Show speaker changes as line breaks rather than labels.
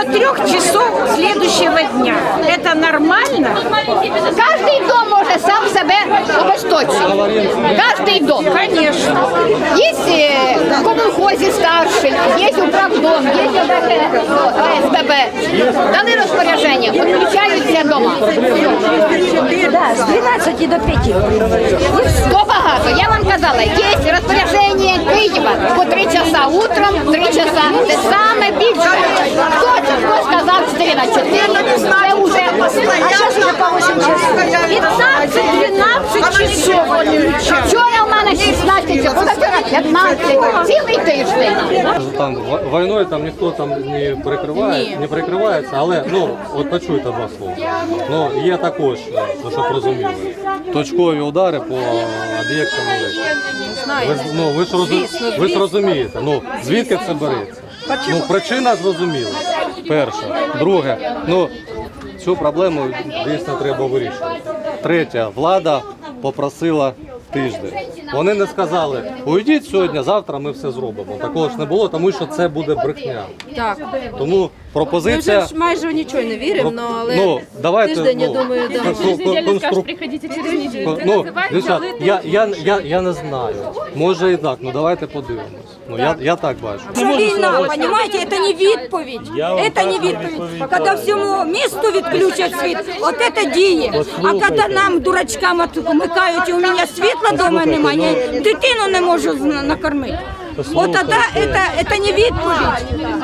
3 часов следующего дня. Это нормально?
Каждый дом может сам себя обесточить. Каждый дом.
Конечно.
Есть в комунхозі старший, є управдом, є ОСББ. Дали розпорядження, відключаються дома.
Да, з 12 до 5.
То багато. Я вам казала, є розпорядження Києва по 3 часа утром, 3 часа. Це саме більше. Хто сказав 4 на 4? Це вже
А зараз вже по 8 часов.
15-12 часов они включают.
вчора в мене 16, позавчора 15, цілий тиждень.
Там війною там ніхто там не прикриває, не прикривається, але ну от почуйте два слова. Ну є також, ну, щоб розуміли, точкові удари по об'єктам електрики. Ви ж розумієте, ну звідки це береться? Ну причина зрозуміла. Перше, друге, ну цю проблему дійсно треба вирішувати. Третє, влада попросила тиждень. Вони не сказали, уйдіть сьогодні, завтра ми все зробимо. Такого ж не було, тому що це буде брехня.
Так.
Тому
Ми вже
пропозиція...
ж майже в нічого не віримо, але
Ну, давайте,
тиждень, я
ну,
думаю, да.
Приходите через неделю.
Ну, дівчат, я не знаю. Може і так, ну давайте подивимось. Ну, я так бачу.
Це війна, понимаете, это не відповідь. Это не відповідь. Когда всьому місту відключать світ, от это діє. А коли нам, дурачкам, вмикають, і у мене світла вдома немає, я дитину не можу накормити. От тоді це не відповідь.